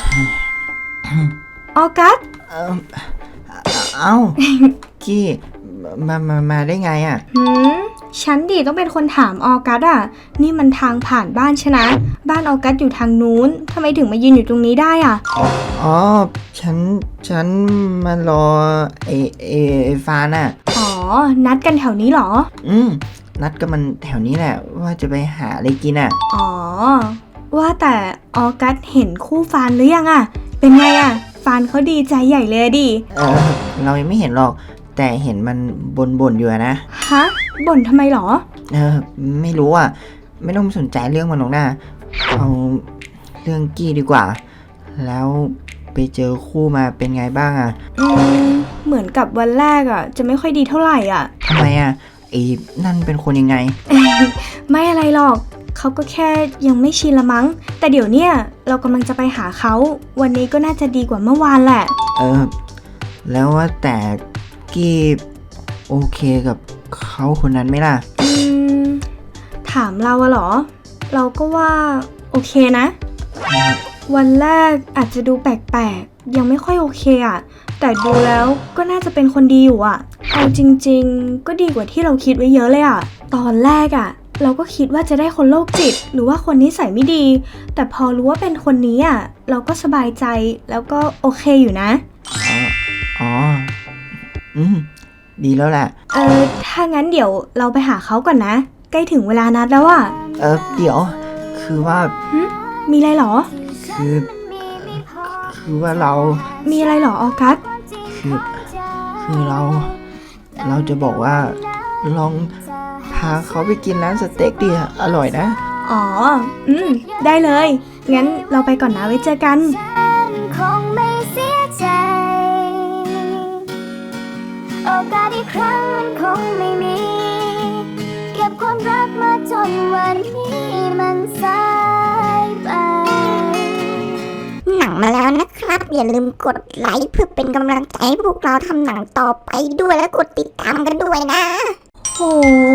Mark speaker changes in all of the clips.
Speaker 1: ออกัส
Speaker 2: เอ้าเอ้า กี้มาได้ไงอ่ะ
Speaker 1: ฉันดิต้องเป็นคนถามออกัสอ่ะ นี่มันทางผ่านบ้านฉันนะบ้านออกัสอยู่ทางนู้นทำไมถึงมายืนอยู่ตรงนี้ได้อ่ะ
Speaker 2: อ๋อ ฉันมารอไอฟานอ่ะ
Speaker 1: อ๋อ นัดกันแถวนี้เหรอ
Speaker 2: นัดกับมันแถวนี้แหละ ว่าจะไปหาอะไรกินอ่ะ
Speaker 1: อ๋อ ว่าแต่ออกัสเห็นคู่ฟานหรือยังอ่ะ เป็นไงอ่ะ ฟานเขาดีใจใหญ่เลยดิ
Speaker 2: เรายังไม่เห็นหรอก แต่เห็นมันบ่นอยู่อะนะ
Speaker 1: ฮะ บ่นทำไมเหรอ
Speaker 2: ไม่รู้อ่ะ ไม่ต้องสนใจเรื่องมันหรอกนะเอาเรื่องกี้ดีกว่า แล้วไปเจอคู่มาเป็นไงบ้างอ่ะ
Speaker 1: เหมือนกับวันแรกอ่ะ จะไม่ค่อยดีเท่าไหร่อ่ะ
Speaker 2: ทำไมอ่ะไอ้นั่นเป็นคนยังไง
Speaker 1: ไม่อะไรหรอก เขาก็แค่ยังไม่ชินละมั้ง แต่เดี๋ยวเนี้ยเรากำลังจะไปหาเขา วันนี้ก็น่าจะดีกว่าเมื่อวานแหละ
Speaker 2: แล้วว่าแต่กี้โอเคกับเขาคนนั้นไหมล่ะ
Speaker 1: ถามเราอะเหรอ เราก็ว่าโอเคนะ วันแรกอาจจะดูแปลกๆ ยังไม่ค่อยโอเคอะแต่ดูแล้วก็น่าจะเป็นคนดีอยู่อะเอาจริงๆ ก็ดีกว่าที่เราคิดไว้เยอะเลยอะตอนแรกอะเราก็คิดว่าจะได้คนโรคจิต หรือว่าคนนิสัยไม่ดี แต่พอรู้ว่าเป็นคนนี้อะเราก็สบายใจแล้วก็โอเคอยู่นะ
Speaker 2: อ๋อ ดีแล้วแหละ
Speaker 1: ถ้างั้นเดี๋ยวเราไปหาเขาก่อนนะ ใกล้ถึงเวลานัดแล้วอะ
Speaker 2: เดี๋ยว คือว่า
Speaker 1: มีอะไรเหรอ
Speaker 2: คือว่าเรา
Speaker 1: มีอะไรเหรอออกัส
Speaker 2: คือเราจะบอกว่า ลองพาเขาไปกินร้านสเต็กดิอร่อยนะ
Speaker 1: อ๋อ ได้เลย งั้นเราไปก่อนนะไว้เจอกัน
Speaker 3: คงไม่เสียใจโอกาสอีกครั้งมันคงไม่มีเก็บความรักมาจนวันนี้มันสายไปหนังมาแล้วนะครับ อย่าลืมกดไลค์เพื่อเป็นกำลังใจให้พวกเราทำหนังต่อไปด้วยและกดติดตามกันด้วยนะ
Speaker 1: โห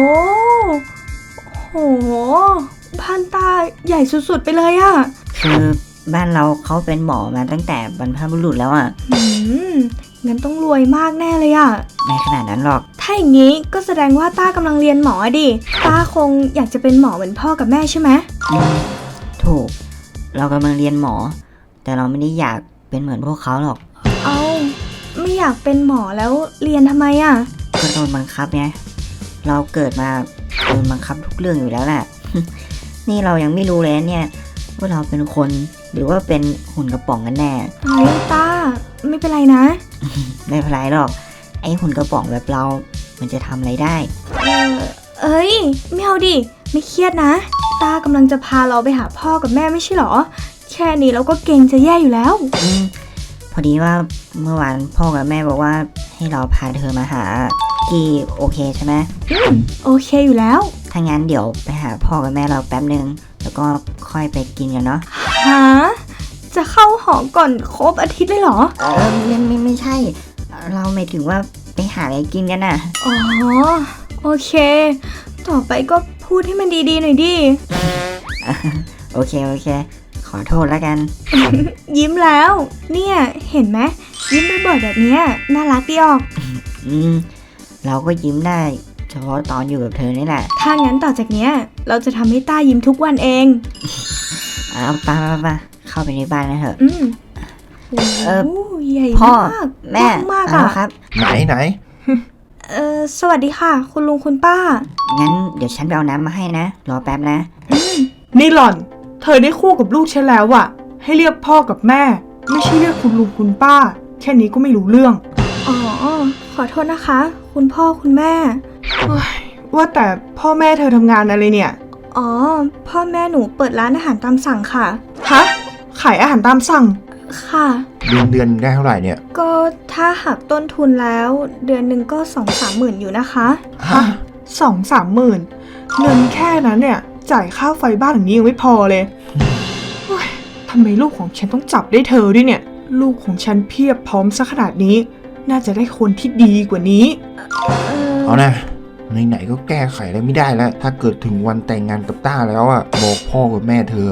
Speaker 1: บ้านตาใหญ่สุดๆไปเลยอะ
Speaker 4: คือบ้านเราเขาเป็นหมอมาตั้งแต่บรรพบุรุษแล้วอ่ะ
Speaker 1: งั้นต้องรวยมากแน่เลยอะ
Speaker 4: ไม่ขนาดนั้นหรอก
Speaker 1: ถ้าอย่างนี้ก็แสดงว่าต้ากำลังเรียนหมอดิต้าคงอยากจะเป็นหมอเหมือนพ่อกับแม่ใช่ไหม
Speaker 4: ถูก เรากำลังเรียนหมอ แต่เราไม่ได้อยากเป็นเหมือนพวกเขาหรอก
Speaker 1: เอาไม่อยากเป็นหมอแล้วเรียนทำไมอะ
Speaker 4: ก็โดนบังคับไงเราเกิดมาโดนบังคับทุกเรื่องอยู่แล้วแหละ นี่เรายังไม่รู้เลยนะเนี่ยว่าเราเป็นคนหรือว่าเป็นหุ่นกระป๋องกันแน่
Speaker 1: เฮ้ยต้าไม่เป็นไรนะ
Speaker 4: ไม่เป็นไรหรอก ไอ้หุ่นกระป๋องแบบเรา มันจะทำอะไรได้
Speaker 1: เอ้ยไม่เอาดิไม่เครียดนะต้ากำลังจะพาเราไปหาพ่อกับแม่ไม่ใช่หรอ แค่นี้เราก็เกรงจะแย่อยู่แล้ว
Speaker 4: พอดีว่าเมื่อวานพ่อกับแม่บอกว่าให้เราพาเธอมาหากี่โอเคใช่ไหม
Speaker 1: โอเคอยู่แล้ว
Speaker 4: ถ้างั้นเดี๋ยวไปหาพ่อกับแม่เราแป๊บนึง แล้วก็ค่อยไปกินกันเนาะ
Speaker 1: หาจะเข้าหอก่อนครบอาทิตย์เลยเหรอ
Speaker 4: ไม่ใช่ เราหมายถึงว่าไปหาอะไรกินกันน่ะ
Speaker 1: อ๋อโอเค ต่อไปก็พูดให้มันดีๆหน่อยดิ
Speaker 4: โอเค ขอโทษแล้วกัน
Speaker 1: ยิ้มแล้ว เนี่ยเห็นไหมยิ้มบ่อยๆแบบเนี้ยน่ารักดีออก
Speaker 4: เราก็ยิ้มได้ เฉพาะตอนอยู่กับเธอนี่แหละ
Speaker 1: ถ้างั้นต่อจากเนี้ยเราจะทำให้ต้ายิ้มทุกวันเอง
Speaker 4: เอาไปเข้าไปในบ้านกันเถอะ
Speaker 1: โอ้โหใหญ่
Speaker 4: พ่อ
Speaker 1: มาก
Speaker 4: แม่
Speaker 1: มาก
Speaker 4: เอา
Speaker 1: อ่ะ
Speaker 4: ครับ
Speaker 2: ไหน
Speaker 1: สวัสดีค่ะ คุณลุงคุณป้า
Speaker 4: งั้นเดี๋ยวฉันไปเอาน้ำมาให้นะ รอแป๊บนะ
Speaker 5: นี่หล่อน เธอได้คู่กับลูกฉันแล้วอะให้เรียกพ่อกับแม่ ไม่ใช่เรียกคุณลุงคุณป้า แค่นี้ก็ไม่รู้เรื่อง
Speaker 1: อ๋อ ขอโทษนะคะ คุณพ่อคุณแม่
Speaker 5: ว่าแต่พ่อแม่เธอทำงานอะไรเนี่ย
Speaker 1: อ๋อ พ่อแม่หนูเปิดร้านอาหารตามสั่งค่ะ
Speaker 5: ฮะ ขายอาหารตามสั่ง
Speaker 1: ค่ะ
Speaker 6: เดือนได้เท่าไหร่เนี่ย
Speaker 1: ก็ถ้าหักต้นทุนแล้วเดือนหนึ่งก็2-3 หมื่นอยู่นะคะ
Speaker 5: ฮะ2-3 หมื่นเงินแค่นั้นเนี่ย จ่ายค่าไฟบ้านหลังนี้ยังไม่พอเลยโอ๊ยทำไมลูกของฉันต้องจับได้เธอด้วยเนี่ย ลูกของฉันเพียบพร้อมซะขนาดนี้ น่าจะได้คนที่ดีกว่านี้
Speaker 6: เอานะไหนๆก็แก้ไขอะไรไม่ได้แล้ว ถ้าเกิดถึงวันแต่งงานกับต้าแล้วอ่ะบอกพ่อกับแม่เธอให้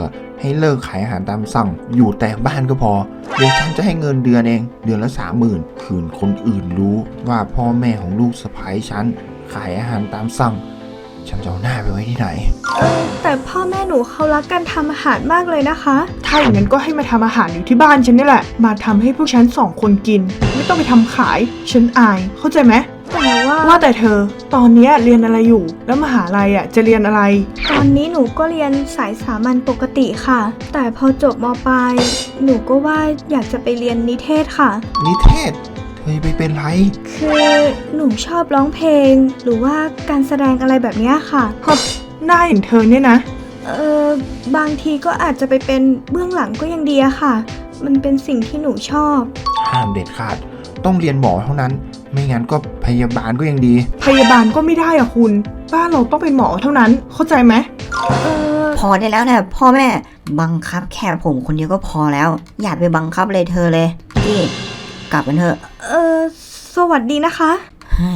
Speaker 6: ให้เลิกขายอาหารตามสั่ง อยู่แต่บ้านก็พอ เดี๋ยวฉันจะให้เงินเดือนเอง เดือนละ 30,000 คืนคนอื่นรู้ว่าพ่อแม่ของลูกสะใภ้ฉันขายอาหารตามสั่ง ฉันจะเอาหน้าไปไว้ที่ไหน
Speaker 1: แต่พ่อแม่หนูเขารักการทำอาหารมากเลยนะคะ
Speaker 5: ถ้าอย่างนั้นก็ให้มาทำอาหารอยู่ที่บ้านฉันนี่แหละ มาทำให้พวกฉัน2 คนกิน ไม่ต้องไปทำขาย ฉันอาย เข้าใจไหม
Speaker 1: แต่ว่า
Speaker 5: ว่าแต่เธอ ตอนเนี้ยเรียนอะไรอยู่ แล้วมหาลัยจะเรียนอะไร
Speaker 1: ตอนนี้หนูก็เรียนสายสามัญปกติค่ะ แต่พอจบมปลายหนูก็ว่าอยากจะไปเรียนนิเทศค่ะ
Speaker 6: นิเทศ เธอไปเป็นไร
Speaker 1: คือหนูชอบร้องเพลง หรือว่าการแสดงอะไรแบบเนี้ยค่ะ
Speaker 5: หน้าอย่างเธอเนี่ยนะ
Speaker 1: บางทีก็อาจจะไปเป็นเบื้องหลังก็ยังดีอะค่ะ มันเป็นสิ่งที่หนูชอบ
Speaker 6: ห้ามเด็ดขาด ต้องเรียนหมอเท่านั้น ไม่งั้นก็พยาบาลก็ยังดี
Speaker 5: พยาบาลก็ไม่ได้อะคุณ บ้านเราต้องเป็นหมอเท่านั้น เข้าใจไหม
Speaker 4: พอได้แล้วนะพ่อแม่บังคับแค่ผมคนเดียวก็พอแล้ว อย่าไปบังคับเลยเธอเลยพี่กลับกันเถอะ
Speaker 1: สวัสดีนะคะ
Speaker 4: เฮ้ย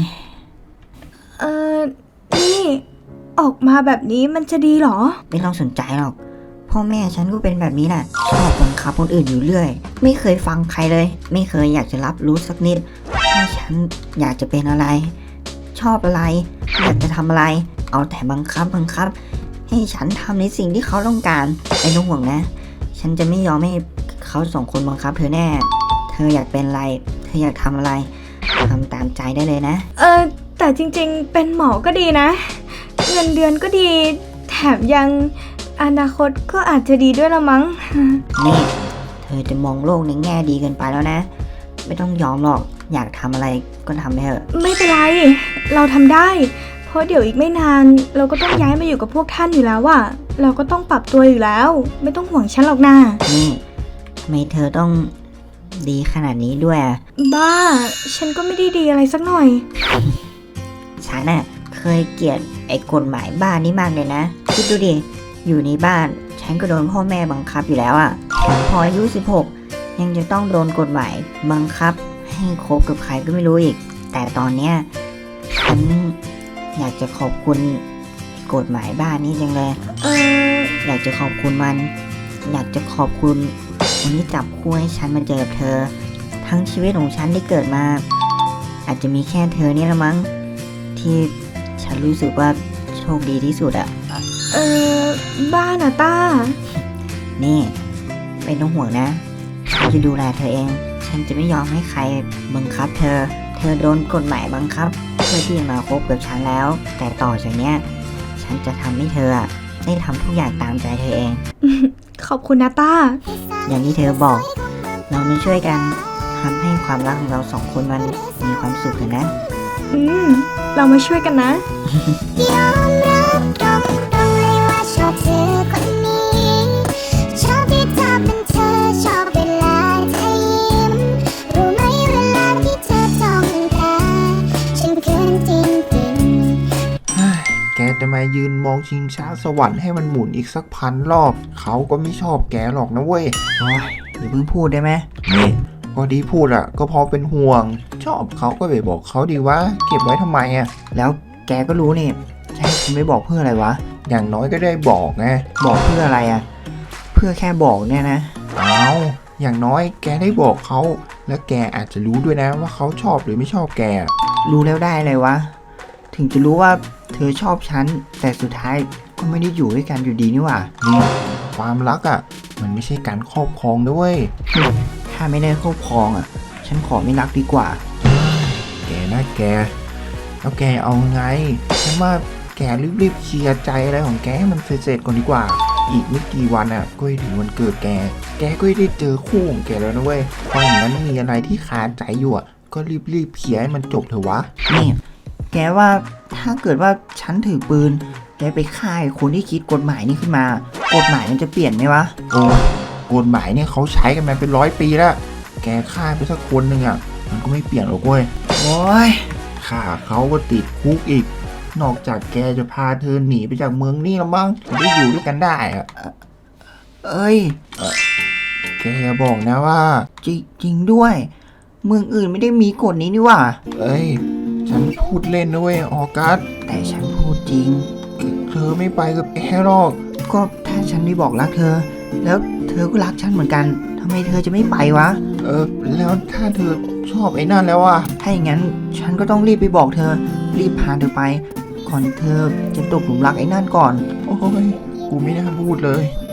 Speaker 1: นี่ออกมาแบบนี้มันจะดีเหรอ
Speaker 4: ไม่ต้องสนใจหรอกพ่อแม่ฉันก็เป็นแบบนี้แหละชอบบังคับคนอื่นอยู่เรื่อย ไม่เคยฟังใครเลย ไม่เคยอยากจะรับรู้สักนิดว่าฉันอยากจะเป็นอะไร ชอบอะไร อยากจะทำอะไร เอาแต่บังคับ ให้ฉันทำในสิ่งที่เขาต้องการไม่ต้องห่วงนะ ฉันจะไม่ยอมให้เขา2 คนบังคับเธอแน่ เธออยากเป็นอะไร เธออยากทำอะไรทำตามใจได้เลยนะ
Speaker 1: แต่จริงๆเป็นหมอก็ดีนะ เงินเดือนก็ดี แถมยังอนาคตก็อาจจะดีด้วยละมั้ง
Speaker 4: นี่เธอจะมองโลกในแง่ดีเกินไปแล้วนะ ไม่ต้องยอมหรอกอยากทำอะไรก็ทำไปเถอะ
Speaker 1: ไม่เป็นไร เราทำได้ เพราะเดี๋ยวอีกไม่นาน เราก็ต้องย้ายมาอยู่กับพวกท่านอยู่แล้วอะเราก็ต้องปรับตัวอยู่แล้ว ไม่ต้องห่วงฉันหรอกนะ
Speaker 4: นี่ทำไมเธอต้องดีขนาดนี้ด้วยอะ
Speaker 1: บ้า ฉันก็ไม่ได้ดีอะไรสักหน่อย
Speaker 4: ฉันน่ะเคยเกลียดไอ้กฎหมายบ้านนี้มากเลยนะคิดดูดิอยู่ในบ้านฉันก็โดนพ่อแม่บังคับอยู่แล้วอะแถมพออายุ16ยังจะต้องโดนกฎหมายบังคับให้คบกับใครก็ไม่รู้อีก แต่ตอนเนี้ยฉันอยากจะขอบคุณกฎหมายบ้านนี้จังเลย อยากจะขอบคุณมัน อยากจะขอบคุณคนที่จับคู่ให้ฉันมาเจอกับเธอ ทั้งชีวิตของฉันที่เกิดมา อาจจะมีแค่เธอนี่ละมั้งที่ฉันรู้สึกว่าโชคดีที่สุดอะ
Speaker 1: บ้านะต้า
Speaker 4: นี่ไม่ต้องห่วงนะฉันจะดูแลเธอเอง ฉันจะไม่ยอมให้ใครบังคับเธอ เธอโดนกฎหมายบังคับเพื่อที่จะมาคบกับฉันแล้ว แต่ต่อจากเนี้ยฉันจะทำให้เธออะได้ทำทุกอย่างตามใจเธอเอง
Speaker 1: ขอบคุณนะต้า
Speaker 4: อย่างที่เธอบอก เรามาช่วยกันทำให้ความรักของเรา2 คนมันมีความสุขกันนะ
Speaker 1: เรามาช่วยกันนะ
Speaker 3: ยอมรับตรงๆเลยว่าชอบเธอคนนี้ ชอบที่เธอเป็นเธอ ชอบเวลาเธอยิ้ม รู้ไหมเวลาที่เธอจ้องตาฉันเขินจริงๆ
Speaker 6: แกจะมายืนมองชิงช้าสวรรค์ให้มันหมุนอีกสัก1,000 รอบ เขาก็ไม่ชอบแกหรอกนะเว้ย
Speaker 2: โอ้ยอย่าเพิ่งพูดได้ไหม
Speaker 6: นี่พอดีพูดอะก็เพอเป็นห่วง ชอบเขาก็ไปบอกเขาดีว่าเก็บไว้ทำไมอะ
Speaker 2: แล้วแกก็รู้นี่จะให้ฉันไม่บอกเพื่ออะไรวะ
Speaker 6: อย่างน้อยก็ได้บอกไง
Speaker 2: บอกเพื่ออะไรอะเพื่อแค่บอกเนี่ยนะ
Speaker 6: เอาอย่างน้อยแกได้บอกเขา แล้วแกอาจจะรู้ด้วยนะว่าเขาชอบหรือไม่ชอบแก
Speaker 2: รู้แล้วได้เลยวะ ถึงจะรู้ว่าเธอชอบฉัน แต่สุดท้ายก็ไม่ได้อยู่ด้วยกันอยู่ดีนี่หว่า
Speaker 6: นี่ความรักอะมันไม่ใช่การครอบครองด้วย
Speaker 2: ถ้าไม่ได้ครอบครองฉันขอไม่รักดีกว่า
Speaker 6: แกนะแก แล้วแกเอาไงฉันว่าแกรีบๆเคลียร์ใจอะไรของแกให้มันเสร็จๆก่อนดีกว่า อีกไม่กี่วันอ่ะก็จะถึงวันเกิดแก แกก็ได้เจอคู่ของแกแล้วนะเว้ยเพราะอย่างนั้นมีอะไรที่คาใจอยู่อ่ะก็รีบๆเคลียร์ให้มันจบเถอะวะ
Speaker 2: นี่ แกว่าถ้าเกิดว่าฉันถือปืน แกไปฆ่าไอ้คนที่คิดกฎหมายนี้ขึ้นมา กฎหมายมันจะเปลี่ยนไหมวะ
Speaker 6: โอ้ยกฎหมายเนี่ยเขาใช้กันมาเป็น100 ปีแล้ว แกฆ่าไปสักคนหนึ่งอ่ะมันก็ไม่เปลี่ยนหรอกเว้ย
Speaker 2: โอ้ย
Speaker 6: ฆ่าเขาก็ติดคุกอีก นอกจากแกจะพาเธอหนีไปจากเมืองนี่แล้วมั้งถึงได้อยู่ด้วยกันได้อ่ะ
Speaker 2: เอ้ย
Speaker 6: แกอย่าบอกนะว่า
Speaker 2: จริงด้วย เมืองอื่นไม่ได้มีกฎนี้นี่หว่า
Speaker 6: เอ้ย ฉันพูดเล่นนะเว้ยออกัส
Speaker 2: แต่ฉันพูดจริง
Speaker 6: เธอไม่ไปกับแกหรอก
Speaker 2: ก็ถ้าฉันได้บอกรักเธอแล้วเธอก็รักฉันเหมือนกันทำไมเธอจะไม่ไปวะ
Speaker 6: แล้วถ้าเธอชอบไอ้นั่นแล้วอ่ะ
Speaker 2: ถ้าอย่างนั้นฉันก็ต้องรีบไปบอกเธอ รีบพาเธอไป ก่อนเธอจะตกหลุมรักไอ้นั่นก่อน
Speaker 6: โอ้ย กูไม่น่าพูดเลย